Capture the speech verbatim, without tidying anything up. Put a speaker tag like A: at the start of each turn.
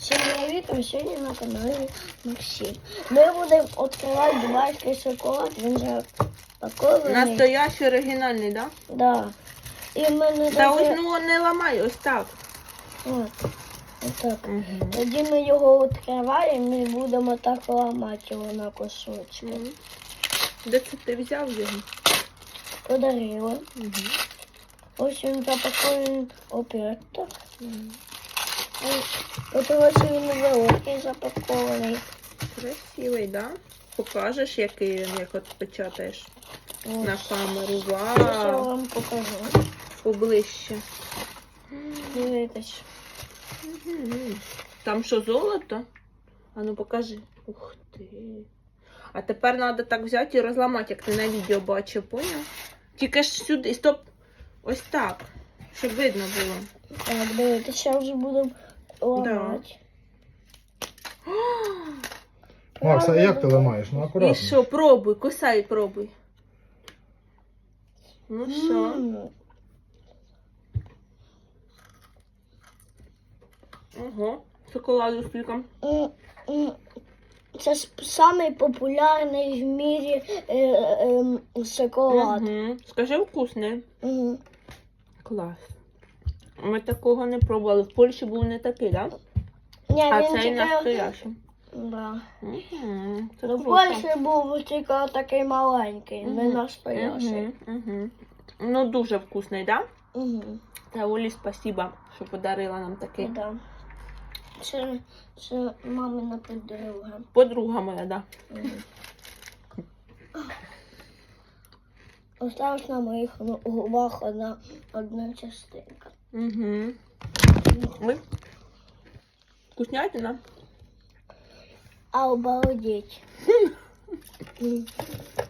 A: Всім привіт, а сьогодні на каналі Максим. Ми будемо відкривати дубайський шоколад, він вже пакований.
B: Настоящий оригінальний, так?
A: Да? Да. І в мене
B: Та
A: даже...
B: ось ну не ламай, ось так.
A: От, отак.
B: Угу.
A: Тоді ми його відкриваємо і будемо так ламати його на кусочки.
B: Угу. Де це ти взяв його?
A: Подарила.
B: Угу.
A: Ось він запакований опять так.
B: Угу.
A: От ось він великий запакований.
B: Красивий, так? Да? Покажеш, який він, як от печатаєш
A: Ось.
B: на камеру.
A: Зараз я
B: Вау!
A: вам покажу.
B: Поближче.
A: Дивіться.
B: Угу. Там що, золото? А ну покажи. Ух ти. А тепер треба так взяти і розламати, як ти на відео бачив, поняв? Тільки ж сюди, стоп. Ось так. Щоб видно було.
A: Так, дивіться, зараз вже будемо ламати.
C: Макс, а як ти ламаєш? Ну
B: І
C: акуратно.
B: що, пробуй, кусай, пробуй. Ну що?
A: М.
B: Ого, шоколаду скільки.
A: М, м. Це ж самий популярний в мірі е, е, шоколад.
B: Угу. Скажи, вкусний.
A: Мгм.
B: Клас. Ми такого не пробували. В Польщі був не такий, так? Да?
A: Ні,
B: А
A: він
B: цей
A: тільки...
B: настоящий.
A: Да.
B: Угу. Це
A: Ну, в
B: круто.
A: Польщі був тільки такий маленький, не
B: Мгм.
A: настоящий.
B: Угу. Угу. Ну, дуже вкусний, так? Да?
A: Угу.
B: Та Олі, спасибо, що подарила нам такий.
A: Да. Це, це мамина подруга.
B: Подруга моя, да.
A: Мгм. Осталась на моїх ну, губах одна, одна частинка.
B: Угу. Ой. Вкуснятина.
A: А обалдеть. М.